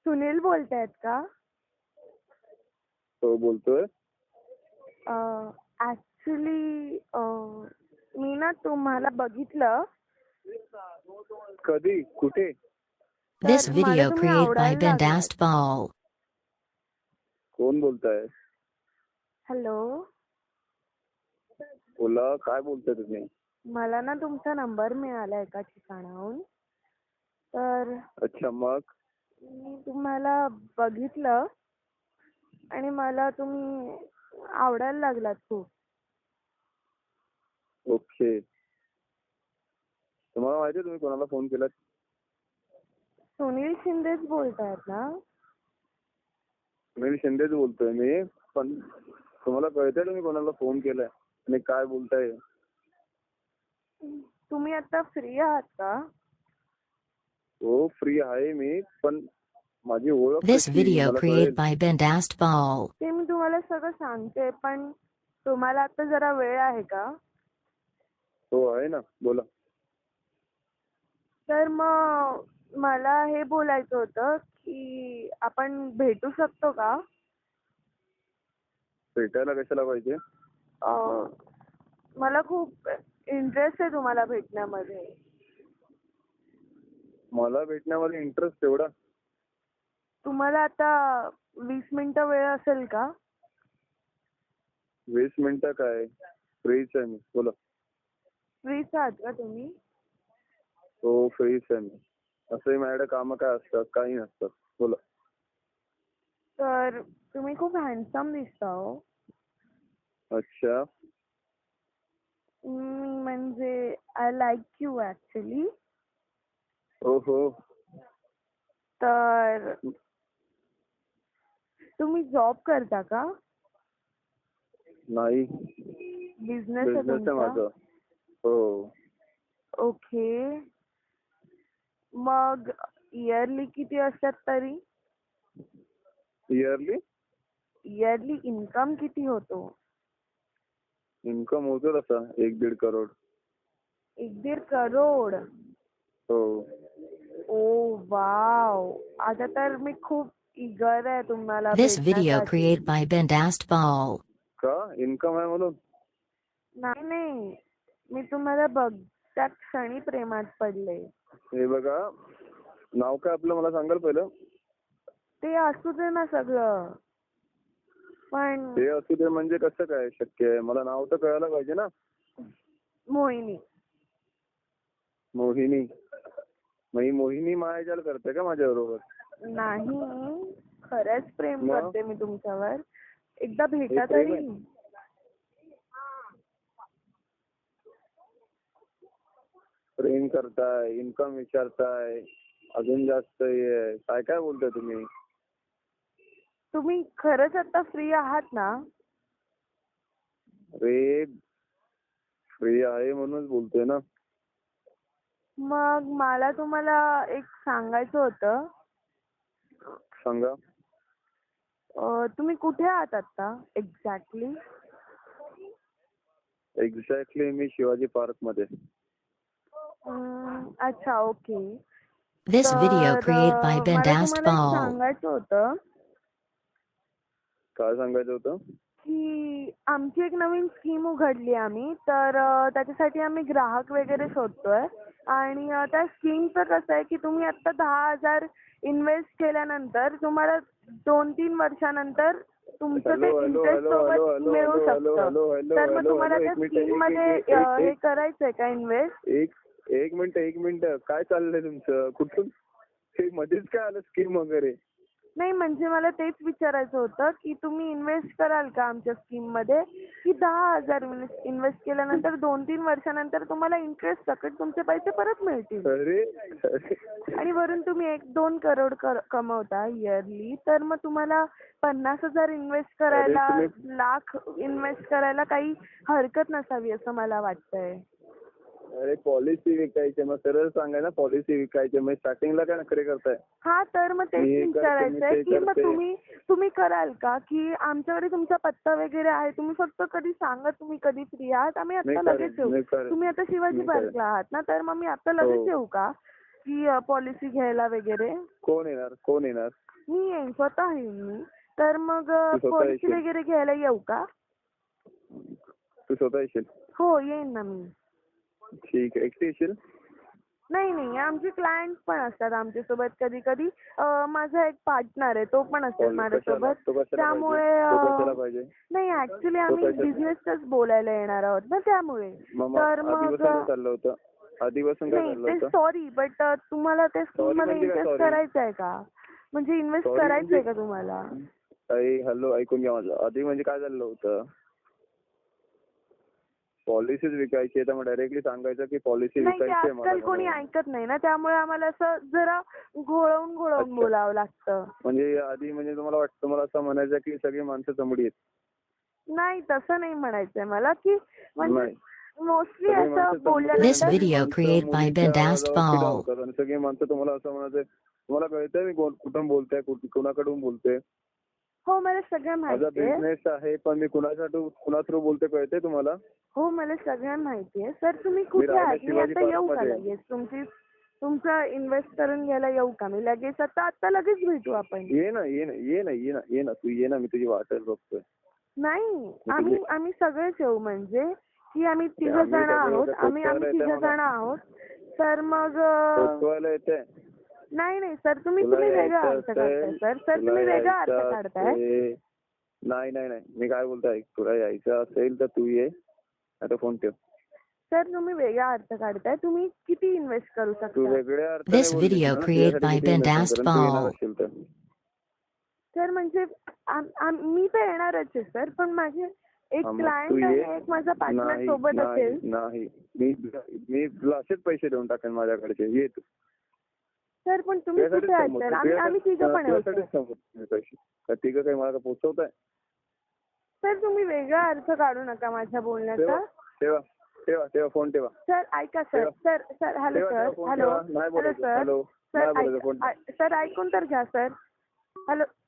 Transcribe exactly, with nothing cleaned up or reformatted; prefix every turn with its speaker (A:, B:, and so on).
A: सुनील बोलतायत का?
B: हो बोलतोय.
A: ऍक्च्युली मी ना तुम्हाला बघितलं.
B: कधी कुठे?
C: This
A: तर मला
C: video
A: तुम्ही
C: created by
A: आवडायला लागलात.
C: Bindast Ball.
B: कोण बोलताय?
A: हॅलो,
B: बोला, काय बोलताय तुम्ही?
A: मला ना तुमचा नंबर मिळाला एका ठिकाणाहून. तर
B: अच्छा, मग
A: मी तुम्हाला बघितलं आणि मला तुम्ही आवडायला लागलात खूप.
B: ओके. तुम्हाला माहिती आहे तुम्ही कोणाला फोन केलात?
A: सुनील शिंदेच बोलतायत ना?
B: सुनील शिंदेच बोलतोय मी. पण तुम्हाला कळतंय तुम्ही कोणाला फोन केलाय आणि काय बोलताय?
A: तुम्ही आता फ्री आहात का?
B: हो, फ्री आहे मी. पण माझी ओळख
C: This
B: कशी
C: video
B: मला
C: created
B: कळेल?
C: by Bindast Ball.
A: ते मी तुम्हाला सगळं सांगते, पण तुम्हाला आता जरा वेळ आहे का?
B: हो आहे ना, बोला.
A: तर मग मला हे बोलायचं होतं की आपण भेटू शकतो का?
B: भेटायला कशाला पाहिजे?
A: अं, मला खूप इंटरेस्ट आहे तुम्हाला भेटण्यामध्ये.
B: मला भेटण्यामध्ये इंटरेस्ट एवढा?
A: तुम्हाला आता वीस मिनिटं वेळ असेल का?
B: वीस मिनिटं काय, फ्रीच आहे मी, बोला.
A: फ्रीच आहात का तुम्ही?
B: हो, फ्रीच आहे मी. असंही माझ्याकडे कामं काय असतात, काही नसतात, बोला.
A: तर तुम्ही खूप हँडसम दिसता हो.
B: अच्छा.
A: हम्म, म्हणजे आय लाईक यू ऍक्च्युली.
B: हो हो.
A: तर तुम्ही जॉब करता का?
B: नाही,
A: बिझनेस आहे
B: बिझनेस आहे
A: तुमचा?
B: माझा. हो.
A: ओके. मग इयरली किती असतात तरी?
B: इयरली
A: इयरली इन्कम किती होतो?
B: इन्कम होतो तसा एक दीड करोड.
A: एक दीड करोड?
B: हो.
A: Oh wow. आता तर मी खूप इगर आहे तुम्हाला
C: This video
A: भेटण्यासाठी.
C: created by Bindast Ball.
B: का इन्कम आहे म्हणून?
A: नाही नाही, मी तुम्हाला बघ त्या क्षणी प्रेमात पडले.
B: हे बघा, नाव काय आपलं मला सांगाल पहिलं?
A: ते असू दे ना सगळं, पण
B: ते असू दे म्हणजे कसं काय शक्य आहे? मला नाव तर कळायला पाहिजे ना.
A: मोहिनी.
B: मोहिनी? मग ही मोहिनी मायाजाल करते का माझ्या बरोबर?
A: नाही, खरंच प्रेम
B: मग?
A: करते मी तुमच्यावर. एकदा भेटा
B: हे प्रेम
A: तरी.
B: आहे? प्रेम करताय, इन्कम विचारताय, अजून जास्त हे आहे. काय काय बोलताय तुम्ही?
A: तुम्ही खरंच आता फ्री आहात ना?
B: अरे, फ्री आहे म्हणूनच बोलतोय ना.
A: मग मला तुम्हाला एक सांगायचं होतं.
B: सांगा.
A: अं, तुम्ही कुठे आहात आता एक्झॅक्टली?
B: एक्झॅक्टली मी शिवाजी पार्क मध्ये.
A: अच्छा, ओके.
C: This video
A: तर
C: created by
A: अं, मला
C: Bindast
A: तुम्हाला एक
C: Ball.
A: सांगायचं होतं
B: काय सांगायचं होतं?
A: की आमची एक नवीन स्कीम उघडली आम्ही. तर अं, त्याच्यासाठी आम्ही ग्राहक वगैरे शोधतोय. आणि अं, त्या स्कीमचं कसं आहे की तुम्ही आता दहा हजार इन्व्हेस्ट केल्यानंतर तुम्हाला दोन तीन वर्षानंतर तुमचं ते
B: hello hello
A: interest
B: hello hello
A: सोबत
B: हॅलो
A: मिळू
B: हॅलो हॅलो
A: शकतं.
B: हॅलो हॅलो
A: तर मग
B: हॅलो
A: तुम्हाला
B: हॅलो
A: त्या
B: एक मिनिट
A: स्कीम
B: एक
A: मध्ये
B: एक
A: अं, हे
B: एक
A: करायचंय का इन्व्हेस्ट?
B: एक एक मिनिट एक मिनिट काय चाललंय तुमचं? कुठून हे मध्येच काय आलं स्कीम वगैरे?
A: नाही, म्हणजे मला तेच विचारायचं होतं की तुम्ही इन्व्हेस्ट कराल का आमच्या स्कीम मध्ये, की दहा हजार इन्व्हेस्ट केल्यानंतर दोन तीन वर्षानंतर तुम्हाला इंटरेस्ट सकट तुमचे पैसे परत मिळतील.
B: अरे अरे.
A: आणि वरून तुम्ही एक दोन करोड कर- कमवता इयरली. तर मग तुम्हाला पन्नास हजार इन्व्हेस्ट करायला,
B: अरे तुम्ही-
A: लाख इन्व्हेस्ट करायला काही हरकत नसावी असं मला वाटतंय.
B: अरे पॉलिसी विकायची, मग सरळ सांगाय ना पॉलिसी विकायची. मग स्टार्टिंगला काय नखरे करताय?
A: हा, तर मग तेच
B: मी हे करते, मी
A: विचारायचंय
B: ते
A: की मग
B: करते.
A: तुम्ही तुम्ही कराल का, की आमच्याकडे तुमचा पत्ता वगैरे आहे, तुम्ही फक्त कधी सांगा तुम्ही कधी फ्री आहात, आम्ही
B: मी
A: आता
B: करेन,
A: लगेच येऊ.
B: मी करेन.
A: तुम्ही आता शिवाजी
B: मी करेन.
A: पार्कला आहात ना, तर मग मी आता लगेच
B: हो.
A: येऊ का की पॉलिसी घ्यायला वगैरे?
B: कोण येणार कोण येणार
A: मी येईन, स्वतः येईन मी. तर मग अ,
B: तू स्वतः
A: पॉलिसी
B: येशील?
A: वगैरे घ्यायला येऊ का?
B: तू स्वतः येशील?
A: हो, येईन ना मी.
B: ठीक आहे. एकटी येशील?
A: नाही नाही, आमचे क्लायंट पण असतात आमच्यासोबत कधी कधी. माझा एक पार्टनर आहे, तो पण असेल
B: कशाला?
A: माझ्यासोबत.
B: तो कशाला
A: त्यामुळे
B: पाहिजे? तो
A: अ,
B: कशाला पाहिजे?
A: नाही ऍक्च्युली
B: तो
A: आम्ही
B: कशाला?
A: बिझनेसच बोलायला येणार आहोत ना, त्यामुळे.
B: मग मग
A: तर मग
B: आधीपासून काय चाललं होतं? आधीपासून काय
A: नाही
B: चाललं
A: ते
B: होतं?
A: सॉरी, बट तुम्हाला ते
B: Sorry
A: स्कीम मध्ये
B: म्हणजे काय
A: इन्व्हेस्ट
B: sorry?
A: करायचं आहे का? म्हणजे इन्व्हेस्ट
B: Sorry
A: करायचं आहे
B: म्हणजे-
A: का तुम्हाला?
B: अरे हॅलो, ऐकून घ्या माझं. आधी म्हणजे काय झालं होतं? पॉलिसीज विकायची आहे तर मग डायरेक्टली सांगायचं की पॉलिसी
A: नाही, ते
B: विकायची आहे मला
A: आजकाल कोणी
B: म्हणून.
A: ऐकत नाही ना, त्यामुळे आम्हाला असं जरा घोळवून घोळवून
B: अच्छा.
A: बोलावं लागतं.
B: म्हणजे आधी म्हणजे तुम्हाला वाटतं, तुम्हाला असं म्हणायचं की सगळी माणसं चमडी आहेत.
A: नाही, तसं नाही म्हणायचंय मला, की म्हणजे
B: नाही.
A: मोस्टली
B: सगळी
A: असं
B: माणसं चमडी आहेत.
C: This
A: बोलल्यानंतर
C: video
B: माणसं
C: created by
B: मुलींच्या
C: Bindaste
B: आवाजावर फिदा
C: Ball.
B: होतात आणि सगळी माणसं तुम्हाला असं म्हणायचं, तुम्हाला कळतंय मी कोण कुठून बोलतोय, कुठ- कुणाकडून बोलतोय?
A: हो, मला सगळं
B: माझा
A: माहिती आहे.
B: बिझनेस आहे, पण मी कुणासाठी कुणा थ्रू बोलतोय कळतंय तुम्हाला?
A: हो, मला सगळं माहिती आहे. सर तुम्ही कुठे
B: राहिला
A: आहात? मी
B: शिवाजी
A: आता येऊ का
B: पार्कमध्ये.
A: लगेच? तुमची तुमचं इन्व्हेस्ट करून घ्यायला येऊ का मी लगेच? आता आता लगेच भेटू आपण.
B: ये ना ये ना ये ना ये ना ये ना तू ये ना, मी तुझी वाटच बघतोय.
A: नाही, आम्ही आम्ही सगळेच येऊ, म्हणजे की आम्ही तिघ
B: आम्ही
A: जण
B: सगळे
A: आहोत.
B: होते,
A: आम्ही आम्ही
B: पोचवायला
A: तिघ
B: येते
A: जण
B: मला.
A: आहोत. तर मग अ,
B: पोचवायला येते.
A: नाही नाही सर, तुम्ही
B: तुला
A: तुम्ही वेगळा
B: यायचं
A: अर्थ काढताय
B: असेल-
A: सर. सर
B: तुला
A: तुम्ही वेगळा अर्थ
B: यायचं
A: काढताय.
B: असेल- नाही नाही नाही मी काय बोलतोय, तुला यायचं असेल तर तू ये, आता फोन ठेव.
A: सर तुम्ही वेगळा अर्थ काढताय. तुम्ही किती इन्व्हेस्ट करू
B: तू
A: शकता?
B: वेगळ्या अर्थाने
C: This
B: बोललीस
C: video
B: ना,
C: created
B: तुझ्यासाठी
C: by
B: किती investment
C: Bindaste
B: करेन, तू येणार
C: Ball.
B: असशील तर.
A: सर म्हणजे आम- आम- मी तर येणारच आहे सर, पण माझे एक
B: हा, मग तू
A: क्लायंट
B: ये.
A: आणि एक माझा पार्टनर
B: नाही
A: सोबत
B: नाही
A: असेल.
B: नाही मी मी तुला असेच पैसे देऊन टाकेन माझ्याकडचे, ये तू.
A: सर पण तुम्ही
B: तुझ्यासाठीच
A: कुठे आहात
B: समजतोय,
A: सर? आम्ही आम्ही तिघं पण येऊ
B: तुझ्यासाठीच
A: सर.
B: समजतोय पैसे. का तिघं काही मला पोचवताय?
A: सर तुम्ही वेगळा अर्थ काढू नका माझ्या
B: ठेवा
A: बोलण्याचा.
B: ठेवा ठेवा ठेवा फोन ठेवा.
A: सर ऐका सर.
B: ठेवा.
A: सर सर हॅलो
B: ठेवा,
A: सर.
B: ठेवा, फोन
A: हॅलो
B: ठेवा. नाही
A: हॅलो
B: बोलायचं.
A: सर.
B: हॅलो.
A: सर
B: नाही बोलायचं, फोन
A: ऐका- ऐ- सर ऐकून तर घ्या सर. हॅलो